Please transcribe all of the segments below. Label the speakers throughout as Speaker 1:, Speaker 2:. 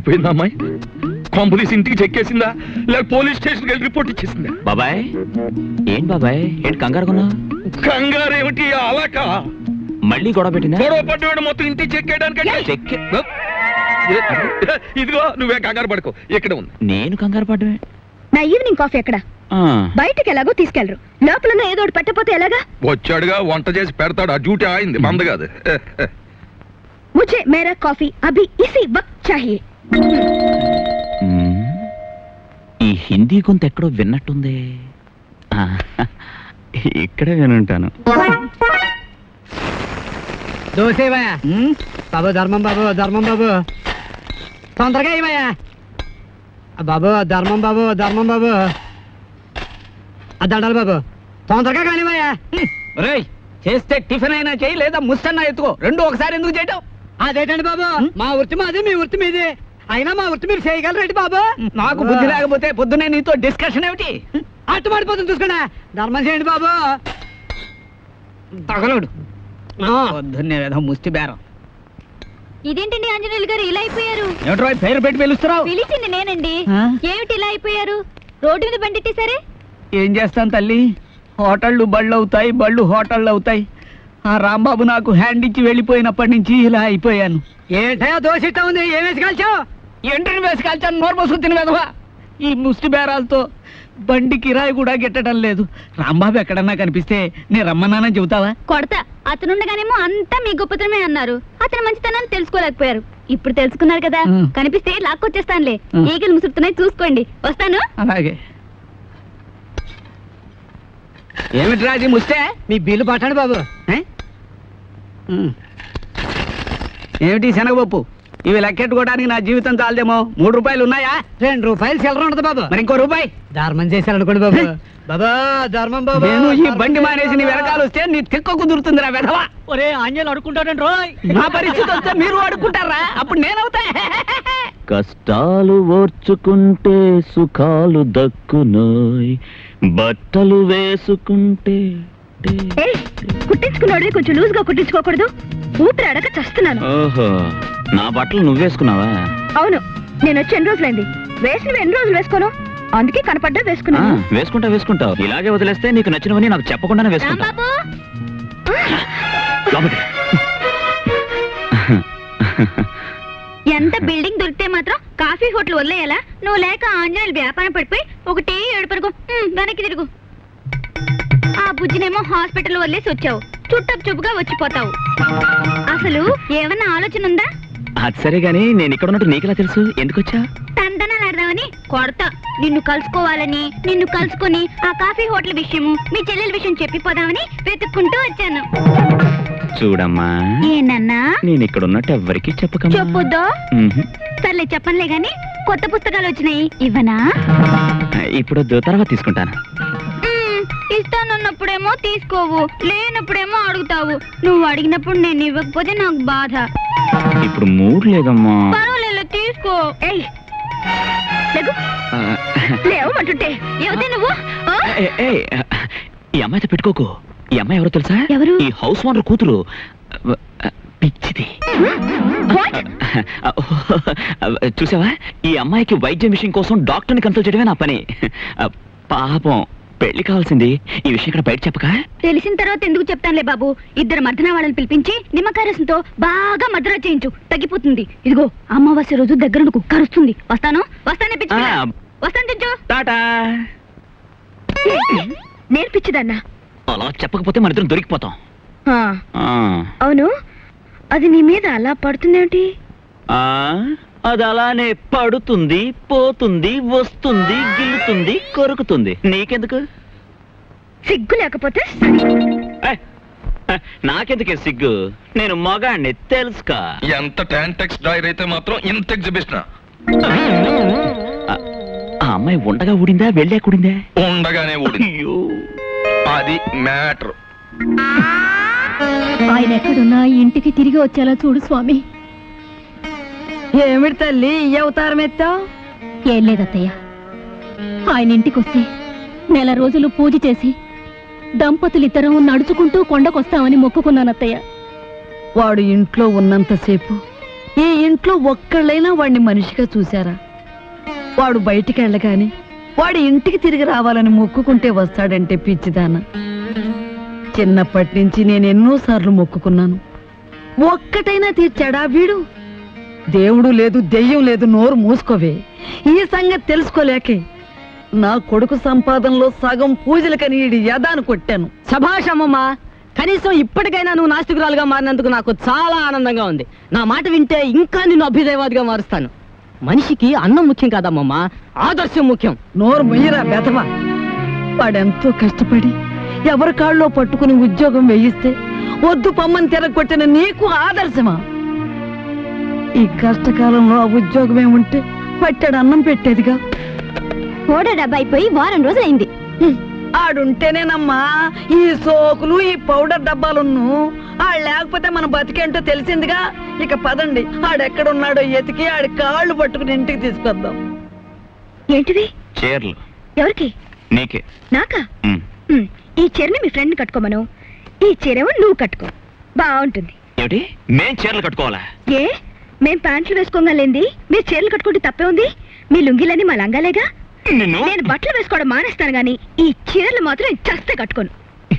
Speaker 1: ఏమైపోయిందా అమ్మాయి? కాంపులీస్ ఇంటికి చెక్కేసిందా లేక పోలీస్ స్టేషన్కి వెళ్ళి రిపోర్ట్ ఇచ్చేసిందా?
Speaker 2: బాబాయ్ ఏం బాబాయ్ ఏంటి కంగారుకున్నా?
Speaker 1: కంగారు ఏమిటి అలాక?
Speaker 2: మళ్ళీ గొడవ పెట్టిందా?
Speaker 1: గొడవ పడ్డవాడు మొత్తం ఇంటికి చెక్కేయడానికి. ఇదిగో నువ్వే కంగారు పడుకో, ఇక్కడ ఉంది.
Speaker 2: నేను కంగారు పడ్డమే.
Speaker 3: నా ఈవినింగ్ కాఫీ ఎక్కడ? బయటకి ఎలాగో తీసుకెళ్లరు, లోపల ఏదో ఒకటి పెట్టకపోతే ఎలాగా?
Speaker 1: వచ్చాడుగా వంట చేసి పెడతాడు, ఆ డ్యూటీ ఆయింది మంద కాదు.
Speaker 3: ముझे मेरा कॉफी अभी इसी वक्त चाहिए.
Speaker 2: ఈ హిందీ కొంత ఎక్కడో విన్నట్టుంది. ఇక్కడే వినుంటాను.
Speaker 4: దోసేవయ్యా బాబు, ధర్మం బాబు, ధర్మం బాబు, తొందరగా ఇవయ్యా బాబు, ధర్మం బాబు, ధర్మం బాబు, దండాలి బాబు, తొందరగా కానివయ్యా. చేస్తే టిఫిన్ అయినా చేయి, లేదా ముస్తన్నా ఎత్తుకో, రెండు ఒకసారి ఎందుకు చేయటం? అదేటండి బాబు, మా వృత్తి మాది, మీ వృత్తి మీది, అయినా మా వృత్తి మీరు చేయగలరేంటి బాబు? నాకు బుద్ధి లేకపోతే పొద్దునే నీతో డిస్కషన్ ఏమిటి? అట్టు పడిపోతుంది చూసుకోండి, ధర్మం చేయండి బాబు. తగలడు పొద్దున్నే ఏదో ముష్టి బేరం.
Speaker 3: ఇదేంటండి ఆంజనేయులు గారు ఇలా అయిపోయారు?
Speaker 4: ఏమిటో పేరు పెట్టి పిలుస్తున్నావు?
Speaker 3: పిలిచింది నేనండి. ఏమిటి ఇలా అయిపోయారు? రోడ్డు మీద బండిట్టేసరే.
Speaker 4: ఏం చేస్తాను తల్లి, హోటళ్ళు బళ్ళు అవుతాయి, బళ్ళు హోటళ్ళు అవుతాయి. ఆ రాంబాబు నాకు హ్యాండ్ ఇచ్చి వెళ్ళిపోయినప్పటి నుంచి ఇలా అయిపోయాను. ఏంటయా దోషిట్ట ఉంది, ఏం వేసి కాల్చావు? ఎండ్రిని వేసి కాల్చాను, నోరు మోసుకుని తినవేదవా. ఈ ముష్టి బేరాలతో బండి కిరాయి కూడా గిట్టడం లేదు. రాంబాబు ఎక్కడన్నా కనిపిస్తే నేను రమ్మన్నానని చెబుతావా?
Speaker 3: కొడతా. అతనుండగానేమో అంతా మీ గొప్పతనమే అన్నారు, అతని మంచితనాన్ని తెలుసుకోలేకపోయారు. ఇప్పుడు తెలుసుకున్నారు కదా, కనిపిస్తే లాక్కొచ్చేస్తానులే. ఈగలు ముసురుతున్నాయి చూసుకోండి, వస్తాను.
Speaker 4: అలాగే. ఏమిటి రాజీ ముస్తే? మీ బిల్లు పట్టండి బాబు. ఏమిటి శనగపప్పు? ఇవి లెక్కెట్టుకోవడానికి నా జీవితం చాలదేమో. 3 రూపాయలు ఉన్నాయా? 2 రూపాయలు చిల్లర ఉండదు బాబు. మరి ఇంకో రూపాయి ధర్మం చేశారనుకోండి బాబు. బాబా ధర్మం బాబు. నేను ఈ బండి మానేసి నీ వెనకాల వస్తే నీ తిక్క కుదురుతుంది రా వెధవా. ఒరే ఆంజనేయులు అడుక్కుంటాడండి రోయ్. నా పరిస్థితి వస్తే మీరు అడుక్కుంటారా? అప్పుడు నేనవుతా.
Speaker 2: కష్టాలు ఓర్చుకుంటే సుఖాలు దక్కునోయ్, బట్టలు వేసుకుంటే.
Speaker 3: కుట్టించుకున్నాడు, కొంచెం లూజ్ గా కుట్టించుకోకూడదు? ఊపిరి అడగ చస్తున్నాను.
Speaker 2: ఓహో, నా బట్టలు నువ్వేసుకున్నావా?
Speaker 3: అవును, నేను వచ్చి ఎన్ని రోజులైంది. వేసినవి ఎన్ని రోజులు వేసుకోను, అందుకే కనపడ్డా వేసుకున్నాను.
Speaker 2: వేసుకుంటావు. ఇలాగే వదిలేస్తే నీకు నచ్చినవని నాకు చెప్పకుండానే వేసుకుంటా.
Speaker 3: ఎంత బిల్డింగ్ దొరికితే మాత్రం కాఫీ హోటల్ వదిలేయాలా? నువ్వు లేక ఆంజనేయులు వ్యాపారం పడిపోయి ఒకటే ఏడుపరుగు. వెనక్కి తిరుగు. ఆ బుజ్జినేమో హాస్పిటల్ వదిలేసి వచ్చావు, చుట్టపు చూపుగా వచ్చిపోతావు. అసలు ఏమన్నా ఆలోచన ఉందా?
Speaker 2: అది సరే గాని నేను ఇక్కడ ఉన్నట్టు నీకెలా తెలుసు? ఎందుకు వచ్చా?
Speaker 3: తందనాలాడదామని. కొడతా. నిన్ను కలుసుకోవాలని, నిన్ను కలుసుకుని ఆ కాఫీ హోటల్ విషయము, మీ చెల్లెల విషయం చెప్పిపోదామని వెతుక్కుంటూ వచ్చాను.
Speaker 2: చూడమ్మా,
Speaker 3: ఏనన్నా
Speaker 2: నేను ఇక్కడ ఉన్నట్టు ఎవ్వరికి చెప్పక.
Speaker 3: చెప్పొద్దా? సర్లే చెప్పనులే గాని, కొత్త పుస్తకాలు వచ్చినాయి, ఇవ్వనా?
Speaker 2: ఇప్పుడు తర్వాత తీసుకుంటాను.
Speaker 3: ఇస్తానన్నప్పుడేమో తీసుకోవు, లేనప్పుడేమో అడుగుతావు. నువ్వు అడిగినప్పుడు నేను ఇవ్వకపోతే నాకు బాధ.
Speaker 2: ఇప్పుడు మూడ్ లేదమ్మా.
Speaker 3: పర్వాలేదు, తీసుకో. లేవమంటుంటే ఏమిటి నువ్వు?
Speaker 2: ఈ అమ్మాయితో పెట్టుకోకు. ఈ అమ్మాయి ఎవరో తెలుసా?
Speaker 3: ఎవరు?
Speaker 2: ఈ హౌస్ ఓనర్ కూతురు. పిచ్చిది. చూసావా, ఈ అమ్మాయికి వైద్యం విషయం కోసం డాక్టర్ని కన్సల్ట్ చేయడమే నా పని. పాపం పెళ్లి కావాల్సింది. ఈ విషయం ఇక్కడ బయట చెప్పక.
Speaker 3: తెలిసిన తర్వాత ఎందుకు చెప్తానులే బాబు. 2 మర్దనా వాళ్ళని పిలిపించి నిమ్మకాయ రసంతో బాగా మద్రా చేయించు, తగ్గిపోతుంది. ఇదిగో అమావాస్య రోజు దగ్గర కుక్క అరుస్తుంది. వస్తాను.
Speaker 2: టాటా.
Speaker 3: నేర్పించదన్నా.
Speaker 2: అలా చెప్పకపోతే మన ఇద్దరం దొరికిపోతాం.
Speaker 3: అవును, అది నీ మీద అలా పడుతుందేమిటి?
Speaker 2: అది అలానే పడుతుంది, పోతుంది, వస్తుంది, గిల్లుతుంది, కొరుకుతుంది. నీకెందుకు?
Speaker 3: సిగ్గు లేకపోతే
Speaker 2: నాకెందుకే సిగ్గు? నేను మగాణ్ణి తెలుసుకా.
Speaker 1: ఎంత టాంటెక్స్ డ్రైవర్ అయితే మాత్రం ఇంత ఎగ్జిబిషన్.
Speaker 2: ఆ అమ్మాయి ఉండగా ఊడిందా, వెళ్ళా కూడిందా?
Speaker 1: ఉండగానే ఊడింది. అది మ్యాటర్.
Speaker 3: ఆయన ఎక్కడున్నా ఇంటికి తిరిగి వచ్చేలా చూడు స్వామి.
Speaker 4: ఏమిటి తల్లి ఈ అవతారం ఎత్తావు?
Speaker 3: ఏం లేదత్తయ్య, ఆయన ఇంటికి వస్తే 1 రోజులు పూజ చేసి దంపతులిద్దరం నడుచుకుంటూ కొండకొస్తామని మొక్కుకున్నానత్తయ్య.
Speaker 4: వాడు ఇంట్లో ఉన్నంతసేపు
Speaker 5: ఈ ఇంట్లో ఒక్కళ్ళైనా వాడిని మనిషిగా చూశారా? వాడు బయటికి వెళ్ళగాని వాడి ఇంటికి తిరిగి రావాలని మొక్కుకుంటే వస్తాడంటే పిచ్చిదాన. చిన్నప్పటి నుంచి నేను ఎన్నోసార్లు మొక్కుకున్నాను, ఒక్కటైనా తీర్చాడా వీడు? దేవుడు లేదు, దెయ్యం లేదు, నోరు మూసుకోవే. ఈ సంగతి తెలుసుకోలేకే నా కొడుకు సంపాదనలో సగం పూజలకని ఈడి యదాను కొట్టాను.
Speaker 4: సభాషమ్మమ్మా, కనీసం ఇప్పటికైనా నువ్వు నాస్తికురాలుగా మారినందుకు నాకు చాలా ఆనందంగా ఉంది. నా మాట వింటే ఇంకా నిన్ను అభ్యుదయవాదిగా మారుస్తాను. మనిషికి అన్నం ముఖ్యం కాదమ్మమ్మా, ఆదర్శం ముఖ్యం.
Speaker 5: నోరు మొయ్యరా బెదవా. వాడెంతో కష్టపడి ఎవరి కాళ్ళలో పట్టుకుని ఉద్యోగం వేయిస్తే వద్దు పొమ్మని తిరగొట్టిన నీకు ఆదర్శమా? ఈ కష్టకాలంలో ఆ ఉద్యోగమే ఉంటే పట్టాడు అన్నం పెట్టేదిగా.
Speaker 3: ఓడ డబ్బా అయిపోయి వారం రోజులైంది.
Speaker 5: ఆడుంటేనేనమ్మా ఈ సోకులు, ఈ పౌడర్ డబ్బాలున్ను. ఆడు లేకపోతే మన బతికేంటో తెలిసిందిగా. ఇక పదండి, ఆడెక్కడున్నాడో ఎతికి ఆడి కాళ్ళు పట్టుకుని ఇంటికి తీసుకొద్దాం.
Speaker 3: ఏంటిది?
Speaker 2: చీరలు
Speaker 3: ఎవరికి?
Speaker 2: నీకే.
Speaker 3: నాకా?
Speaker 2: ఉమ్.
Speaker 3: ఈ చీరని మీ ఫ్రెండ్ కట్టుకోమను, ఈ చీరేమో నువ్వు కట్టుకో, బాగుంటుంది.
Speaker 2: ఏమిటి, మేం చీరలు కట్టుకోవాలా?
Speaker 3: ఏ, మేం ప్యాంట్లు వేసుకోగలేంది మీరు చీరలు కట్టుకుంటే తప్పే ఉంది? మీ లుంగిలని మా లంగాలేగా.
Speaker 2: నిన్ను
Speaker 3: నేను బట్టలు వేసుకోవడం మానేస్తాను గాని ఈ చీరలు మాత్రం నేను చస్తే కట్టుకోను.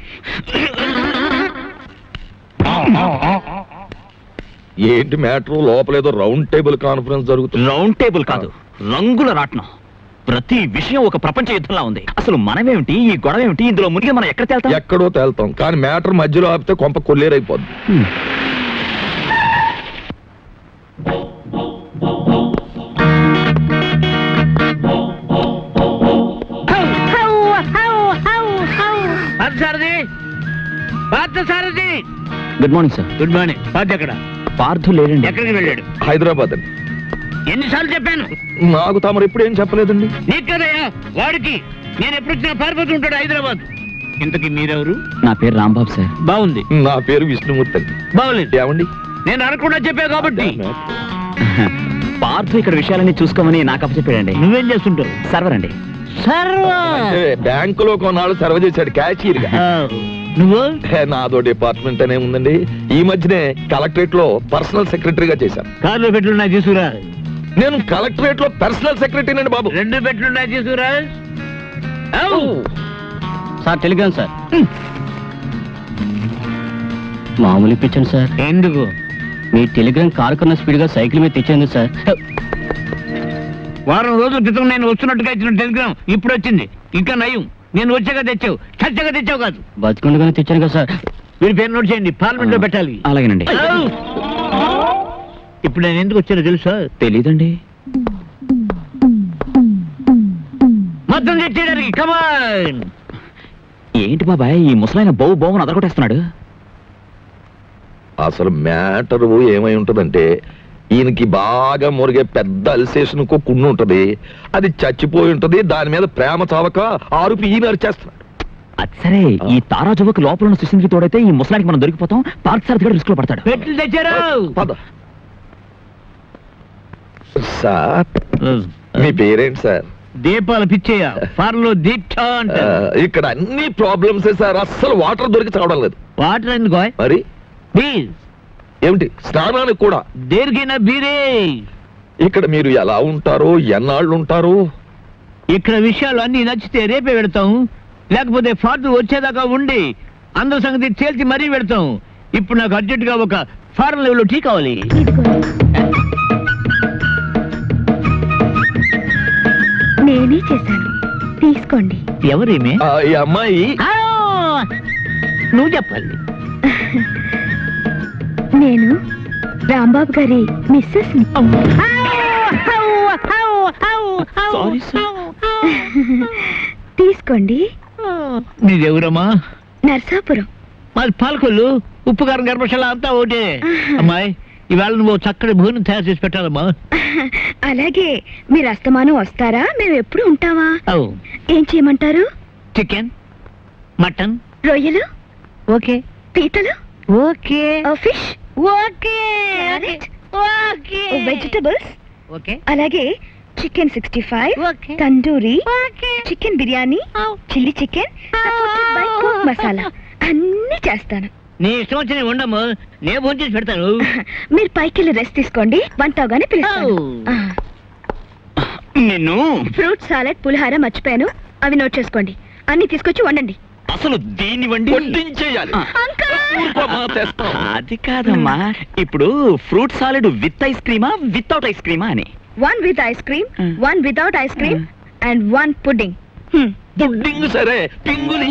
Speaker 1: ఏంటి మ్యాటర్? లోపలేదో రౌండ్ టేబుల్ కాన్ఫరెన్స్ జరుగుతుంది.
Speaker 2: రౌండ్ టేబుల్ కాదు, రంగుల రాట్నం. ప్రతి విషయం ఒక ప్రపంచ యుద్ధంలా ఉంది. అసలు మనమేమిటి, ఈ గొడవ ఏమిటి, ఇందులో మునిగి మనం ఎక్కడ తేల్తాం?
Speaker 1: ఎక్కడో తేల్తాం, కానీ మ్యాటర్ మధ్యలో ఆపితే కొంప కొల్లేరైపోద్ది.
Speaker 2: Good morning sir.
Speaker 4: Good morning. Party ఎక్కడ?
Speaker 2: పార్థు లేడండి.
Speaker 4: ఎక్కడికి వెళ్ళాడు?
Speaker 1: హైదరాబాద్ అండి.
Speaker 4: ఎన్నిసార్లు చెప్పాను?
Speaker 1: నాకు తమరు ఎప్పుడు ఏం చెప్పలేదండి.
Speaker 4: నీకు కదయ్యా, వాడికి. నేను ఎప్పుడు వచ్చినా పారిపోతూ ఉంటాడు హైదరాబాద్. ఇంతకీ మీరెవరు?
Speaker 2: నా పేరు రాంబాబు సార్.
Speaker 4: బాగుంది.
Speaker 1: నా పేరు విష్ణుమూర్తి అండి.
Speaker 4: బాగులేదు.
Speaker 1: ఏమండి?
Speaker 4: నేను అనకుండా చెప్పా కాబట్టి.
Speaker 2: పార్థు ఇక్కడ విషయాలన్నీ చూసుకోమని నాకు అప్పచెప్పాడండి.
Speaker 4: నువ్వేం చేస్తుంటావు?
Speaker 2: సర్వర్ అండి.
Speaker 1: అంటే బ్యాంకులో కొన్నాళ్ళు సర్వ్ చేశాడు క్యాషియర్ గా.
Speaker 4: నువ్వు?
Speaker 1: నాదో డిపార్ట్మెంట్ అనే ఉందండి. ఈ మధ్యనే కలెక్టరేట్ లో పర్సనల్ సెక్రటరీగా చేశాను.
Speaker 4: కార్లో పెట్లున్నాయి తీసుకురా.
Speaker 1: నేను కలెక్టరేట్ లో పర్సనల్ సెక్రటరీ అండి బాబు.
Speaker 4: 2 పెట్లున్నాయి తీసుకురా. Sir telegram sir. మామూలు ఇప్పించండి సార్. ఎందుకు? మీ టెలిగ్రామ్ కారు కన్నా స్పీడ్ గా సైకిల్ మీద తెచ్చేందుకు సార్. వారం రోజుల క్రితం నేను వస్తున్నట్టుగా ఇచ్చిన టెలిగ్రామ్ ఇప్పుడు వచ్చింది. ఇంకా నయం, నేను వచ్చాక తెచ్చావు, చచ్చాక తెచ్చావు కాదు. బతుకుండగానే తెచ్చాను కదా సార్. మీరు పేరు నోట్ చేయండి, పార్లమెంట్ లో పెట్టాలి.
Speaker 2: అలాగేనండి.
Speaker 4: ఇప్పుడు నేను ఎందుకు వచ్చానో తెలుసా?
Speaker 2: తెలీదండి.
Speaker 4: మొత్తం తెచ్చేయడానికి. కమాన్.
Speaker 2: ఏంటి బాబాయ్, ఈ ముసలాయన బౌని అదరగొట్టేస్తున్నాడు?
Speaker 1: అసలు మ్యాటర్ ఏమై ఉంటదంటే, ఈయనకి బాగా మురిగే పెద్ద అల్సేషన్ కుండు ఉంటది. అది చచ్చిపోయి ఉంటది. దాని మీద ప్రేమ చావక ఆరుపి ఈయన అరిచేస్తున్నాడు.
Speaker 2: అది సరే, ఈ తారాజువకు లోపల ఉన్న సుశీంద్రికి తోడైతే ఈ ముసలానికి మనం దొరికిపోతాం. పార్థసారథి కూడా రిస్క్ లో పడతాడు.
Speaker 4: పెట్లు తెచ్చారు.
Speaker 1: పద. సార్, మీ పేరేంటి సార్?
Speaker 4: దీపాల పిచ్చయ్య. ఫార్లో దీక్ష అంట.
Speaker 1: ఇక్కడ అన్ని ప్రాబ్లమ్స్ సార్. అస్సలు వాటర్ దొరికి చావడం లేదు.
Speaker 4: వాటర్ ఎందుకో?
Speaker 1: మరి
Speaker 4: ప్లీజ్.
Speaker 1: ఏమిటి, స్నానానికి కూడా?
Speaker 4: దేనికైనా బీరే.
Speaker 1: ఇక్కడ మీరు ఎలా ఉంటారు, ఎన్నాళ్ళు ఉంటారు?
Speaker 4: ఇక్కడ విషయాలు అన్ని నచ్చితే రేపే పెడతాం, లేకపోతే ఫార్లు వచ్చేదాకా ఉండి అందరి సంగతి తేల్చి మరీ పెడతాం. ఇప్పుడు నాకు అర్జెంట్ గా ఒక ఫారెన్ లెవెల్ టీ కావాలి.
Speaker 3: నేనే చేశాను, తీసుకోండి.
Speaker 4: ఎవరేమే?
Speaker 1: ఈ అమ్మాయి
Speaker 4: నువ్వు చెప్పాలి.
Speaker 3: నేను రాంబాబు గారి మిస్సెస్ ని.
Speaker 2: Sorry sir.
Speaker 3: తీసుకోండి.
Speaker 4: నీదెవరమ్మా?
Speaker 3: నర్సాపురం.
Speaker 4: మాది పాలకొల్లు. ఉప్పు కారం గర్భశాల అంతా ఒకటే. అమ్మాయి, ఇవాళ నువ్వు చక్కటి భోజనం తయారు చేసి పెట్టాలమ్మా.
Speaker 3: అలాగే. మీరు అస్తమానం వస్తారా? మేము ఎప్పుడు ఉంటావా? ఏం చేయమంటారు?
Speaker 4: చికెన్, మటన్,
Speaker 3: రొయ్యలు
Speaker 4: ఓకే,
Speaker 3: పీతలు
Speaker 4: okay,
Speaker 3: fish
Speaker 4: okay, okay,
Speaker 3: vegetables
Speaker 4: okay,
Speaker 3: అలాగే chicken 65,
Speaker 4: okay,
Speaker 3: tandoori,
Speaker 4: okay,
Speaker 3: chicken biryani, chilli chicken, masala అన్ని చేస్తాను.
Speaker 4: నీ ఇష్టం వచ్చి నేను ఉండము నేను ఫోన్ చేసి పెడతాను
Speaker 3: మీరు పైకి వెళ్ళి రెస్ట్ తీసుకోండి వంట అవగానే పిలుస్తాను
Speaker 2: నిన్ను
Speaker 3: ఫ్రూట్ సాలెడ్ పులిహార మర్చిపోయాను అవి నోట్ చేసుకోండి అన్ని తీసుకొచ్చి వండండి
Speaker 2: అసలు దీన్ని వండి
Speaker 1: వడ్డించేయాలి ఊరుకోమా, తెస్తాం.
Speaker 2: అది కాదమ్మా ఇప్పుడు ఫ్రూట్ సాలెడ్ విత్ ఐస్ క్రీమా వితౌట్ ఐస్ క్రీమా అని
Speaker 3: one with ice cream
Speaker 2: Mm.
Speaker 3: One without ice cream and one pudding
Speaker 1: pudding సరే పింగులి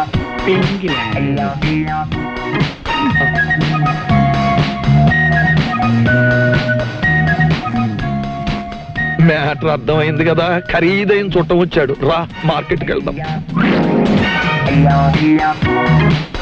Speaker 1: మ్యాటర్ అర్థమైంది కదా, ఖరీదైన చుట్టం వచ్చాడు. రా మార్కెట్కి వెళ్దాం.